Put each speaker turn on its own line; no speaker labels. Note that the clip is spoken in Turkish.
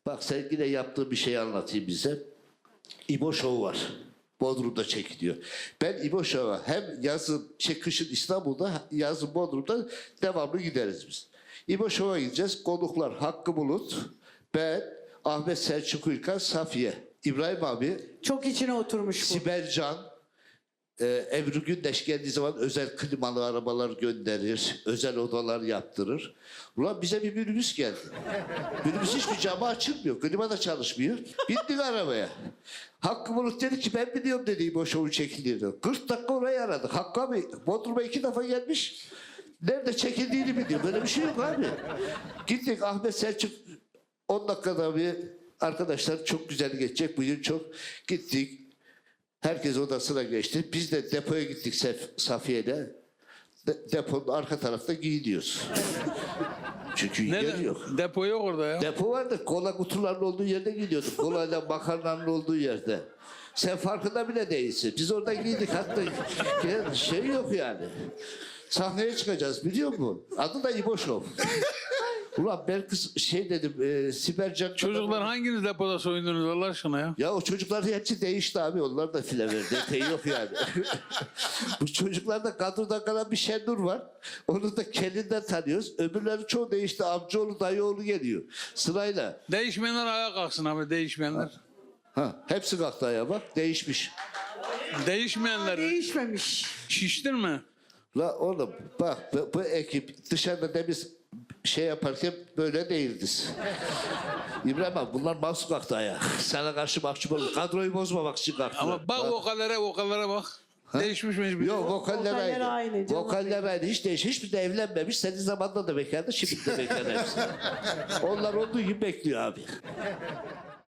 Bak sen yine yaptığın bir şey anlatayım bize. İbo Show var. Bodrum'da çekiliyor. Ben İbo Show'a hem yazın, kışın İstanbul'da, yazın Bodrum'da devamlı gideriz biz. İbo Show'a gideceğiz. Konuklar Hakkı Bulut, ben, Ahmet Selçuk Ülkan, Safiye, İbrahim abi,
Çok içine oturmuş bu.
Sibel Can, Ebru Gündeş geldiği zaman özel klimalı arabalar gönderir, özel odalar yaptırır. Ulan bize bir minibüs geldi. Minibüs hiçbir camı açılmıyor, klima da çalışmıyor. Bindik arabaya. Hakkı Bulut dedi ki ben biliyorum dedi bu şovun çekildiğini. 40 dakika orayı aradık. Hakkı abi Bodrum'a 2 defa gelmiş. Nerede çekildiğini biliyor. Böyle bir şey yok abi. Gittik Ahmet Selçuk 10 dakikada bir arkadaşlar çok güzel geçecek. Bugün çok gittik. Herkes odasına geçti. Biz de depoya gittik Safiye'de. Deponun arka tarafta giyiniyoruz. Çünkü yer yok.
Depo yok orada ya.
Depo vardı. Kola kutularının olduğu yerde gidiyorduk. Kolayla makarnanın olduğu yerde. Sen farkında bile değilsin. Biz orada giydik. Hatta şey yok yani. Sahneye çıkacağız biliyor musun? Adı da İbo Show. Ulan ben kız şey dedim. Sibel Can...
Çocuklar hanginiz depoda soyundunuz Allah aşkına ya?
Ya o çocuklar hepsi değişti abi. Onlar da file verdi. Epey yok yani. Bu çocuklarda kadroda kalan bir Şenur var. Onu da kendinden tanıyoruz. Öbürleri çoğu değişti. Amcaoğlu, dayıoğlu geliyor. Sırayla.
Değişmeyenler ayağa kalksın abi değişmeyenler.
Ha, hepsi kalktı ayağa bak. Değişmiş.
Değişmeyenler
Değişmemiş.
şiştin mi?
La oğlum bak bu ekip dışarıda demiz şey yaparken böyle değildiz. İbrahim abi bunlar mahsus kalktı ayağa. Sana karşı mahcup olur. Kadroyu bozmamak için kalktılar.
Ama bak vokallere bak. Değişmiş mi hiçbir?
Yok vokaller
Vokaller aynı,
aynı.
canım.
Vokaller aynı. Hiç değiş. Hiçbir de evlenmemiş. Senin zamanında da bekardı. Şimdi de bekar hepsi. Onlar olduğu gibi bekliyor abi.